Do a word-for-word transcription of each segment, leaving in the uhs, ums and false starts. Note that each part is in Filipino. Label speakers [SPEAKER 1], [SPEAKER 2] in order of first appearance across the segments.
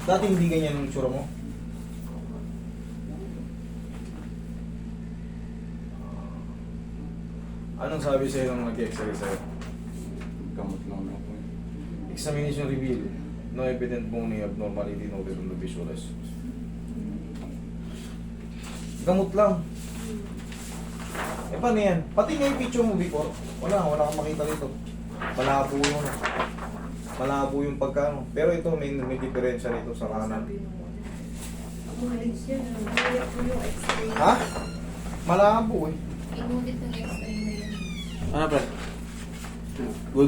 [SPEAKER 1] Dati hindi ganyan yung tsura mo. Anong sabi sa'yo nung nag-x-ray sa'yo?
[SPEAKER 2] Gamot lang ako.
[SPEAKER 1] Examination reveal. No evident bony abnormality noted on the visuals. Gamot lang. Eh paano yan? Pati nga yung picture mo before. Wala, wala kang makita dito. Malabo yung malabo yung pagkano. Pero ito may, may diferensya nito sa kanan.
[SPEAKER 3] Umalis yun. Umalis ko yung x-ray.
[SPEAKER 1] Ha? Malabo eh.
[SPEAKER 3] Inulit ng x-ray na yun.
[SPEAKER 4] Ano pre? Good.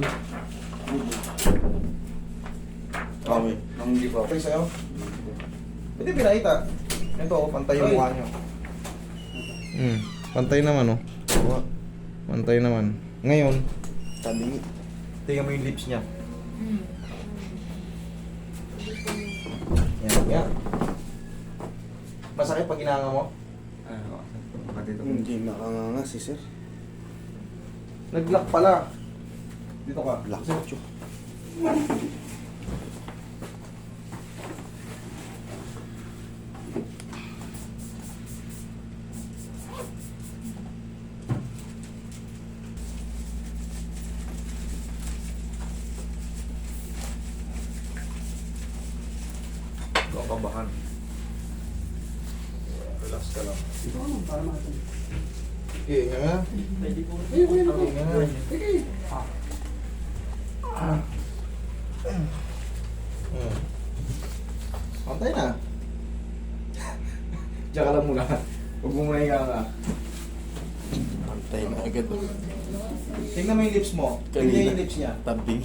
[SPEAKER 4] Okay.
[SPEAKER 2] Nang hindi pa.
[SPEAKER 1] Okay sa'yo? Pwede pinakita. Ito, oh, pantay yung mukha nyo. Hmm, pantay naman oh. Pantay naman. Ngayon,
[SPEAKER 4] Tabi.
[SPEAKER 1] tingnan mo yung lips niya.
[SPEAKER 3] Hmm.
[SPEAKER 1] Yan, yan. Masakit pag ginanga mo?
[SPEAKER 2] Ay, pati ito.
[SPEAKER 4] Hindi makanganga si sir.
[SPEAKER 1] Nag-lock pala. Dito ka.
[SPEAKER 4] Black
[SPEAKER 1] Sir.
[SPEAKER 4] Chuk.
[SPEAKER 1] Ito ang kabahan. Relax ka lang.
[SPEAKER 5] Ito ano, para natin.
[SPEAKER 1] Okay, nga nga.
[SPEAKER 5] Pwede po.
[SPEAKER 1] Okay, nga nga. Okay. Ah. Hmm. Pantay na. Diyan ka lang muna. Huwag mo muna higa nga.
[SPEAKER 4] Antay na agad.
[SPEAKER 1] Tingnan mo yung lips mo. Tingnan yung lips niya.
[SPEAKER 4] Tabi.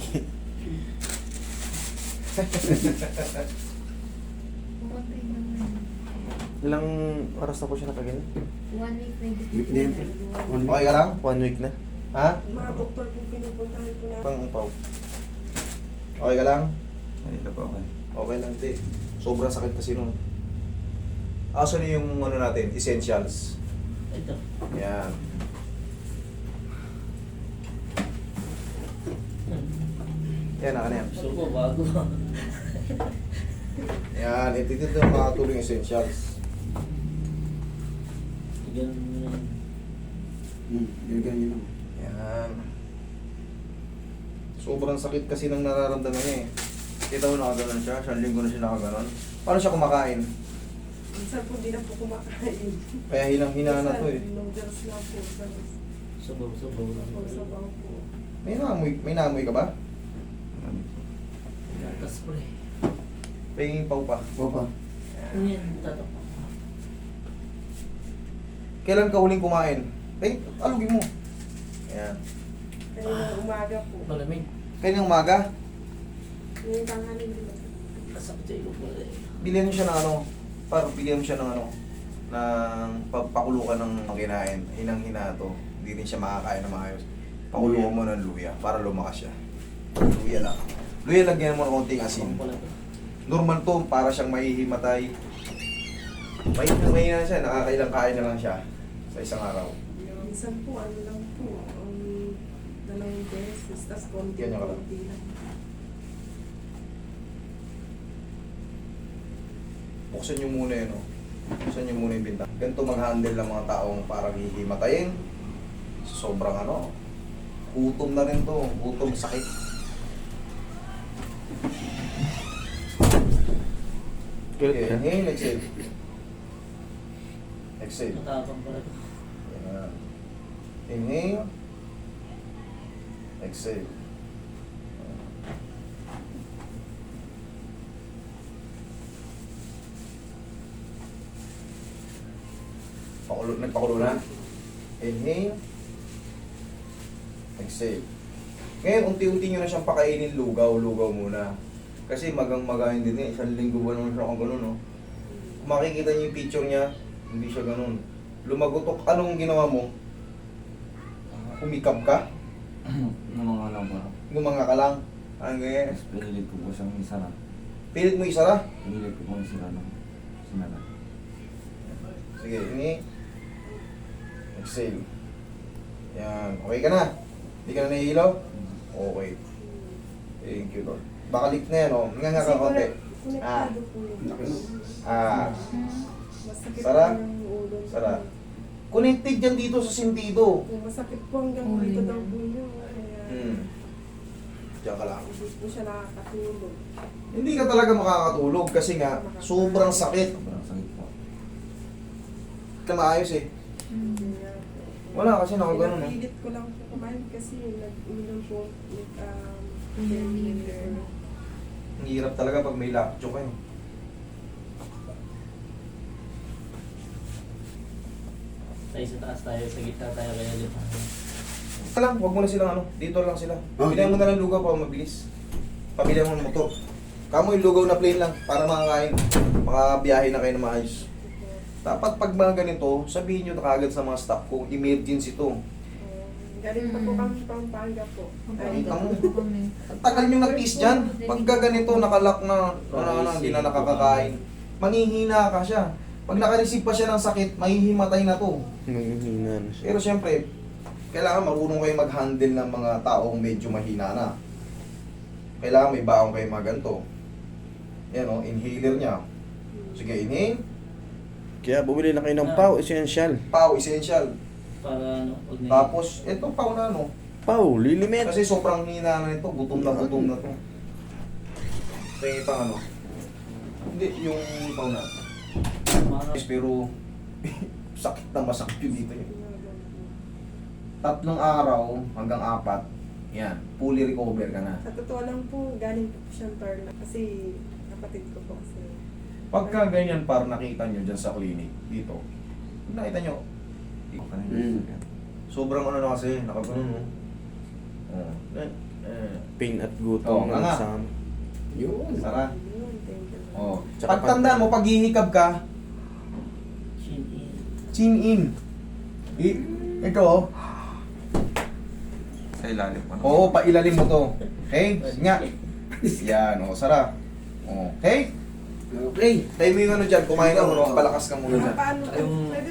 [SPEAKER 3] Pumatay naman.
[SPEAKER 4] Ilang oras na po siya nakaganyan?
[SPEAKER 3] One week na
[SPEAKER 2] Week na yun. One
[SPEAKER 1] Okay ka lang?
[SPEAKER 4] One week na.
[SPEAKER 1] Ha?
[SPEAKER 5] Mga doktor po pinupuntahan ko na.
[SPEAKER 1] Pang-upaw. Okay ka lang?
[SPEAKER 2] Ay, ito pa okay.
[SPEAKER 1] Okay lang, te. Sobrang sakit kasi nun. Aso na yung ano natin, essentials.
[SPEAKER 5] Ito.
[SPEAKER 1] Yan. Yan, naka na yan.
[SPEAKER 5] Gusto ko bago.
[SPEAKER 1] Yan, ito dito yung makatulong yung essentials.
[SPEAKER 5] Ganun mo yan.
[SPEAKER 2] Hmm, yun ganyan lang.
[SPEAKER 1] Yan. Sobrang sakit kasi nang nararamdaman niya eh. Kita mo nakaganon siya, siyang linggo na siya nakaganon. Paano siya kumakain?
[SPEAKER 5] Minsan po di na po kumakain.
[SPEAKER 1] Kaya hinang-hina na to eh.
[SPEAKER 5] Minsan, noodles lang po.
[SPEAKER 6] Sabaw-sabaw lang.
[SPEAKER 5] Sabaw sabaw po.
[SPEAKER 1] May naamoy, may naamoy ka ba?
[SPEAKER 6] Gatas pre.
[SPEAKER 1] Pahingin pa pa.
[SPEAKER 2] Papa.
[SPEAKER 6] Ano yan? Tato.
[SPEAKER 1] Kailan ka huling kumain? Eh, alugin mo. Ayan.
[SPEAKER 5] Kanina umaga po.
[SPEAKER 6] Malamig.
[SPEAKER 1] Kaya umaga,
[SPEAKER 5] Yung tanghali din.
[SPEAKER 6] Kasakit sa ilong pala eh.
[SPEAKER 1] bilhin mo siya ng ano, parang bilhin mo siya ng ano, ng pagpakulukan ng kinain. Hinang-hina to. Hindi rin siya makakain na maayos. Pakulukan mo ng luya para lumakas siya. Luya lang. Luya, lagyan mo ng konting asin.
[SPEAKER 6] Ang pala to.
[SPEAKER 1] Normal to, para siyang mahihimatay. May mahina siya, nakakailang kain na lang siya sa isang araw.
[SPEAKER 5] Minsan po, ano lang po. Um, dalawang beses. Tapos konti
[SPEAKER 1] Ganyan ka lang.
[SPEAKER 5] konti lang.
[SPEAKER 1] Buksan nyo muna yun, oh. Buksan nyo muna yung bintang. Ganito mag-handle ng mga taong parang hihimatayin. Sobrang ano, gutom na rin to. Gutom, sakit. Okay, inhale, exhale. Exhale.
[SPEAKER 6] Matapang pala to.
[SPEAKER 1] Yan. Inhale. Exhale. Pakulo, nagpakulo na. Inhale. Exhale. Ngayon, unti-unti nyo na siyang pakainin lugaw-lugaw muna. Kasi magang-magayin din eh. Isang linggo ba naman siya kung gano'n, no? Kung makikita niyo yung picture niya, hindi siya gano'n. Lumagutok. Anong ginawa mo? Umikap ka?
[SPEAKER 2] Mga lang ba?
[SPEAKER 1] Gumanga ka lang? Ang ganyan.
[SPEAKER 2] Tapos pinilit ko po siyang isara.
[SPEAKER 1] Pilit mo isara?
[SPEAKER 2] Pinilit ko po yung sira ng sinara.
[SPEAKER 1] Sige, ini. Exhale. Yan. Okay ka na? Hindi ka na nahihilo? Okay. Thank you, Lord. Baka leak na yan, oh. Nga nga ka
[SPEAKER 5] Kasi
[SPEAKER 1] konti.
[SPEAKER 5] wala- Konektado po yun.
[SPEAKER 1] Ah,
[SPEAKER 5] Masakit
[SPEAKER 1] Sara?
[SPEAKER 5] po yung ulo.
[SPEAKER 1] Sara. connected yan dito sa sintido.
[SPEAKER 5] Kung masakit po hanggang dito daw po yun. Kaya
[SPEAKER 1] Hmm. Diyan ka lang.
[SPEAKER 5] hindi po siya nakakatulog.
[SPEAKER 1] Hindi ka talaga makakatulog kasi nga sobrang sakit.
[SPEAKER 2] Sobrang sakit po.
[SPEAKER 1] Ka maayos eh.
[SPEAKER 5] Kaya,
[SPEAKER 1] Wala kasi nakaganon eh.
[SPEAKER 5] pinapilit ko lang po kumain kasi nag-uminom po with um, painkiller.
[SPEAKER 1] Ang hirap talaga pag may lockjaw kayo.
[SPEAKER 6] Tayo sa taas tayo, sa gitna tayo kaya dito.
[SPEAKER 1] Ito lang, huwag mo na silang ano, dito lang sila. Pilihan mo na lang lugaw para mabilis. Pamilya mo ng motor. Kamo yung lugaw na plain lang para makakain. Makabiyahe na kayo na maayos. Dapat pag mga ganito, sabihin nyo na kagad sa mga staff ko, emergency to.
[SPEAKER 5] Galing pa po kami Pampanga po. Ay,
[SPEAKER 1] Kita mo. Ang tagal nyo nag-kiss dyan. Pagka ganito, nakalak na, ano, ano, hindi na nakakakain. Manghihina ka siya. Pag nakareceive pa siya ng sakit, mahihimatay na to.
[SPEAKER 4] Nanghihina na siya.
[SPEAKER 1] Pero siyempre, kailangan marunong kayo mag-handle ng mga taong medyo mahina na. Kailangan may baong kayo mga ganito. Yan o, inhaler niya. Sige, inhale.
[SPEAKER 4] Kaya bumili na kayo ng pau, essential.
[SPEAKER 1] Pau, essential.
[SPEAKER 6] Para ano, huwag na
[SPEAKER 1] Tapos, ito pau na ano.
[SPEAKER 4] Pau, lilimit.
[SPEAKER 1] Kasi sobrang hina na nito, gutom na gutom na to. Tingin pang ano. Hindi, yung pau na.
[SPEAKER 6] Mga-
[SPEAKER 1] Pero, sakit na masakit yun dito yun. Tatlong araw hanggang apat, yan, fully recover ka na.
[SPEAKER 5] Sa totoo lang po, galing po siyang Tarlac kasi kapatid ko po kasi.
[SPEAKER 1] Pagka ganyan par nakita nyo dyan sa clinic, dito, pag nakita nyo,
[SPEAKER 2] Okay.
[SPEAKER 4] Mm.
[SPEAKER 1] sobrang ano na kasi, nakagano no. Oh, eh, eh.
[SPEAKER 4] Pain at
[SPEAKER 1] Oo,
[SPEAKER 4] gutom
[SPEAKER 1] nga nga.
[SPEAKER 4] ng sam.
[SPEAKER 2] Yun.
[SPEAKER 1] Sara.
[SPEAKER 5] Yun, thank you.
[SPEAKER 1] Oh.
[SPEAKER 4] Tsaka
[SPEAKER 1] Pagtandaan mo, pag hihikab ka,
[SPEAKER 6] Chin in.
[SPEAKER 1] chin in. I, ito oh.
[SPEAKER 2] Sa ilalim pa.
[SPEAKER 1] Oo, pailalim mo to. Okay? Nga. Yan, oh, Sara. Oh, okay?
[SPEAKER 2] Okay.
[SPEAKER 1] Tayo mo yung ano dyan, kumain ka muna, palakas ka muna dyan.
[SPEAKER 5] Paano po?
[SPEAKER 6] Yung-
[SPEAKER 5] Pwede